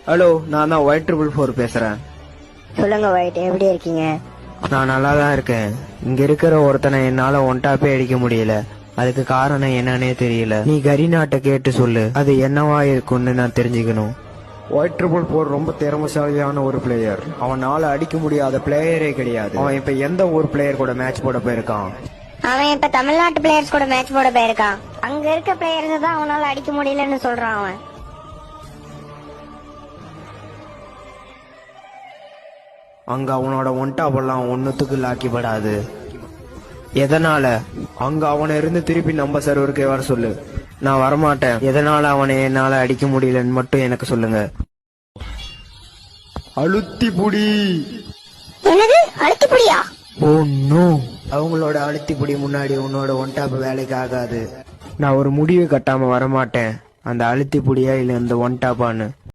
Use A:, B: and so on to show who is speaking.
A: Hello, நான் தான் Y444 பேசுறேன்.
B: சொல்லுங்க ஒயிட், எப்படி இருக்கீங்க?
A: நான் நல்லா தான் இருக்கேன். இங்க இருக்கிற ஒருத்தனை என்னால ஒன்டாப்பே அடிக்க முடியல. அதுக்கு காரணம் என்னன்னே தெரியல. நீ கரிநாட்ட கேட்டு சொல்லு, அது என்னவா இருக்கும்னு நான் தெரிஞ்சுக்கணும். Y444 ரொம்ப திறமைசாலியான ஒரு பிளேயர். அவனால அடிக்க முடியாத பிளேயரே கிடையாது. அவன் இப்ப எந்த ஒரு பிளேயர் கூட மேட்ச் போட போயிருக்கான்?
B: அவன் இப்ப தமிழ்நாட்டு பிளேயர்ஸ் கூட மேட்ச் போட போயிருக்கான். அங்க இருக்க பிளேயர்ஸ் தான் அவனால அடிக்க முடியலன்னு சொல்றான் அவன்.
A: அங்க அவனோட ஒன்டாப்பெல்லாம் ஒன்னுத்துக்கு லாக்கிப்படாது. எதனால? அங்க அவனை இருந்து திருப்பி நம்ம சர்வருக்கு வர சொல்லு. நான் வரமாட்டேன். எதனால அவனை என்னால அடிக்க முடியலன்னு மட்டும் எனக்கு சொல்லுங்க. அழுத்தி புடி.
B: என்னது அழுத்தி புடியா?
A: ஓ நோ, அவங்களோட அழுத்தி புடி முன்னாடி உன்னோட ஒன்டாப் வேலைக்கு ஆகாது. நான் ஒரு முடிவு கட்டாம வரமாட்டேன். அந்த அழுத்தி புடியா இல்ல இந்த ஒன்டாப்பான்னு.